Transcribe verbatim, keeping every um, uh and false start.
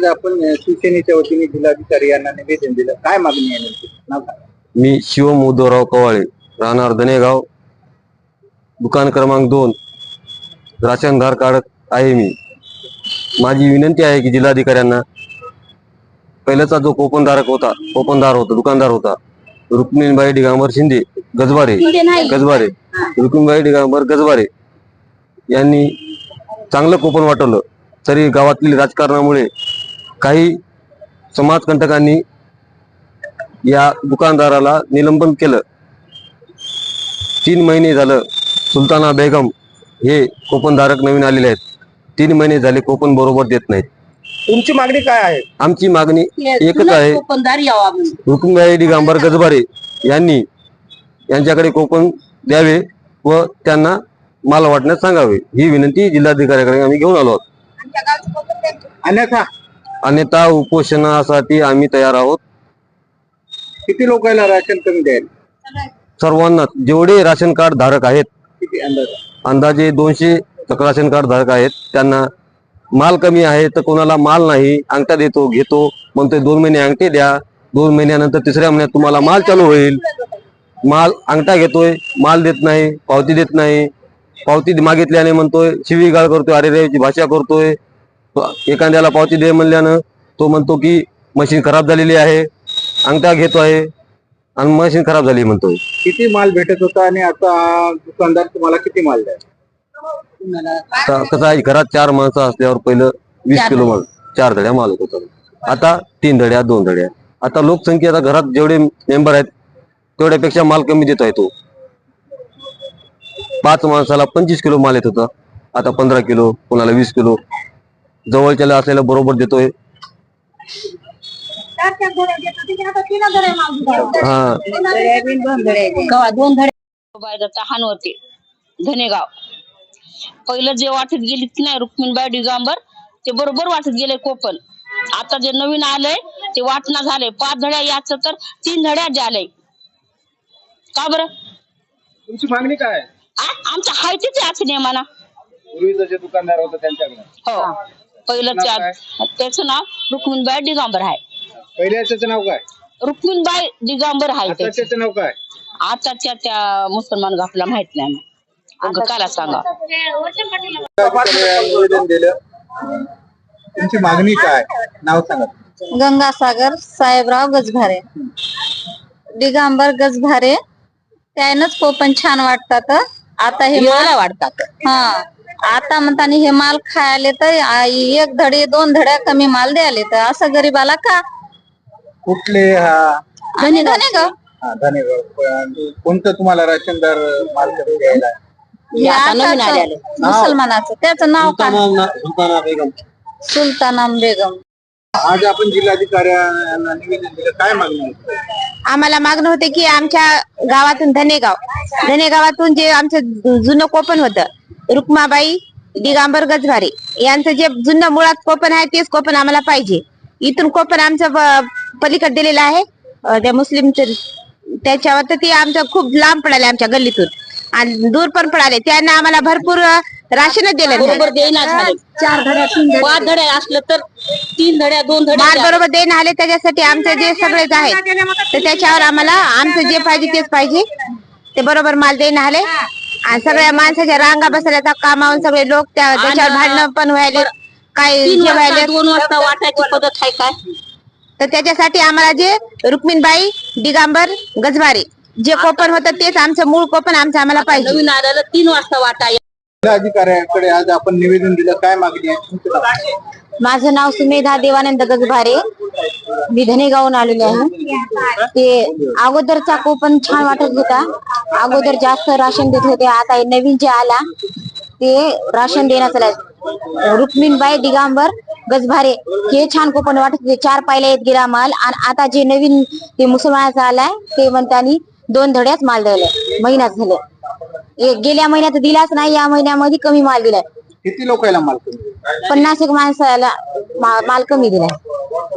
आज आपण शिवसेनेच्या वतीने जिल्हाधिकारी यांना निवेदन दिलं, काय मागणी आहे नेमकी? नाव सांगा. मी शिवम उद्धवराव कवाळे, राहणार धनेगाव, दुकान क्रमांक दोन, राशनधार काढत आहे. मी माझी विनंती आहे की जिल्हाधिकाऱ्यांना, पहिल्याचा जो कोपनधारक होता कोपनदार होता दुकानदार होता रुक्मिणीबाई दिगंबर शिंदे गजबारे गजबारे रुक्मिणीबाई दिगंबर गजबारे यांनी चांगलं कोपन वाटवलं, तरी गावातील राजकारणामुळे काही समाजकंटकांनी या दुकानदाराला निलंबन केलं. तीन महिने झालं सुलताना बेगम हे कोपनधारक नवीन आलेले आहेत. तीन महिने झाले कोपन बरोबर देत नाहीत. तुमची मागणी काय आहे? आमची मागणी एकच आहे, रुक्मिणीबाई दिगंबर गजबारे यांनी यांच्याकडे कोपन द्यावे व त्यांना माल वाटण्यास सांगावे, ही विनंती जिल्हाधिकाऱ्याकडे आम्ही घेऊन आलो आहोत. अन्यथा अन्यथा उपोषणासाठी आम्ही तयार आहोत. किती लोकांना राशन कमी द्याल? सर्वांना, जेवढे राशन कार्ड धारक आहेत, किती अंदाज? अंदाजे दोनशे राशन कार्ड धारक आहेत, त्यांना माल कमी आहे तर कोणाला माल नाही, अंगठा देतो घेतो म्हणतोय दोन महिने अंगठे द्या, दोन महिन्यानंतर तिसऱ्या महिन्यात तुम्हाला माल चालू होईल. माल अंगठा घेतोय, माल देत नाही, पावती देत नाही, पावती मागितल्याने म्हणतोय शिवीगाळ करतोय, अरे रेची भाषा करतोय. एखाद्याला पावती दे म्हणल्यानं तो म्हणतो की मशीन खराब झालेली आहे, अंगठा घेतो आहे आणि मशीन खराब झाली म्हणतोय. किती माल भेटत होता आणि आता दुकानदार तुम्हाला किती माल द्या? कसं आहे, घरात चार माणसं असल्यावर पहिलं वीस किलो माल चार धड्या माल होत होता, आता तीन धड्या दोन धड्या. आता लोकसंख्या, आता घरात जेवढे मेंबर आहेत तेवढ्यापेक्षा माल कमी देत आहे. तो पाच माणसाला पंचवीस किलो माल येत होता, आता पंधरा किलो, कोणाला वीस किलो. जवळच्याला असलेला बरोबर देतोय. हा दोन तहान होते धनेगाव. पहिलं जे वाटत गेली की नाही रुक्मिणीबाई दिगंबर, ते बरोबर वाटत गेले कोपन. आता जे नवीन आलंय ते वाटणं झालंय. पाच धड्या याच तर तीन धड्या झालंय. का बरं? तुमची मागणी काय आहे? आमच्या हायतीच याच नियमाना. पूर्वीचं जे दुकानदार होतं त्यांच्याकडे? हो, पहिलं त्याचं नाव रुक्मिणीबाई दिगंबर आहे. पहिल्याचं नाव काय? रुक्मिणीबाई दिगंबर आहे. त्याचं नाव काय? आताच्या त्या मुसलमान घापला माहित नाही. काला सांगा. निवेदन दिलं, तुमची मागणी काय? नाव सांगा. गंगासागर साहेबराव गजभारे, दिगंबर गजभारे. त्यानंच कोपन छान वाटतात. आता हे माल वाटतात. हा, आता म्हणताना हे माल खायला तर एक धडे दोन धड्या कमी माल द्यायला, तर असं गरीबाला का? कुठले? हा आणि धनेगाव. हा धनेगाव. कोणतं तुम्हाला राशनदार माल कमी द्यायला? मुसलमानाचं त्याचं नाव काय? सुलताना बेगम. सुलताना बेगम. आज आपण जिल्हाधिकाऱ्यांना निवेदन दिलं, काय मागणी आहे? आम्हाला मागणं होते की आमच्या गावातून धनेगाव धनेगावातून जे आमचं जुनं कोपन होतं रुक्माबाई दिगंबर गजभारे यांचं जे जुनं मुळात कोपन आहे तेच कोपन आम्हाला पाहिजे. इथून कोपन आमचं पलीकडे दिलेलं आहे त्या मुस्लिमचं, त्याच्यावर तर ते आमचं खूप लांब पडाले, आमच्या गल्लीतून आणि दूर पण पडाले. त्यांना आम्हाला भरपूर राशनच दिलं बरोबर देईना झाले. चार धड्या पाच धड्या असलं तर तीन धड्या दोन धड्या माल बरोबर देणं आले. त्याच्यासाठी आमचं जे सगळेच आहेत तर त्याच्यावर आम्हाला आमचं जे पाहिजे तेच पाहिजे, ते बरोबर माल देणं आले. आणि सगळ्या माणसाच्या रांगा बसल्याचा कामावून सगळे लोक त्या त्याच्यावर भांडणं पण व्हायले, काही जेवायला दोन वाजता वाटायची पद्धत आहे काय? तर त्याच्यासाठी आम्हाला जे रुक्मिणीबाई दिगंबर गजभारे जे कोपन होतं तेच आमचं मूळ कोपन आमचं आम्हाला पाहिजे. नवीन आलेलं तीन वाजता वाटाय. जिल्हाधिकाऱ्यांकडे आज आपण निवेदन दिलं, काय मागणी आहे? माझं नाव सुमेधा देवानंद गजभारे, मी धनेगावून आलेले आहे. ते अगोदरचा कोपन छान वाटत होता, अगोदर जास्त राशन देत होते. आता नवीन जे आला ते राशन देण्यात आलं रुक्मिणीबाई दिगंबर गजभारे, हे छान कोपन वाटत होते. चार पायला येत गेला माल. आणि आता जे नवीन ते मुसलमानाचा आलाय ते म्हणतानी दोन धड्याच माल द्यायला महिन्यात झालं. गेल्या महिन्यात दिलाच नाही, या महिन्यामध्ये कमी माल दिलाय. किती लोकांना माल कमी? पन्नास एक माणसाला माल कमी दिलाय.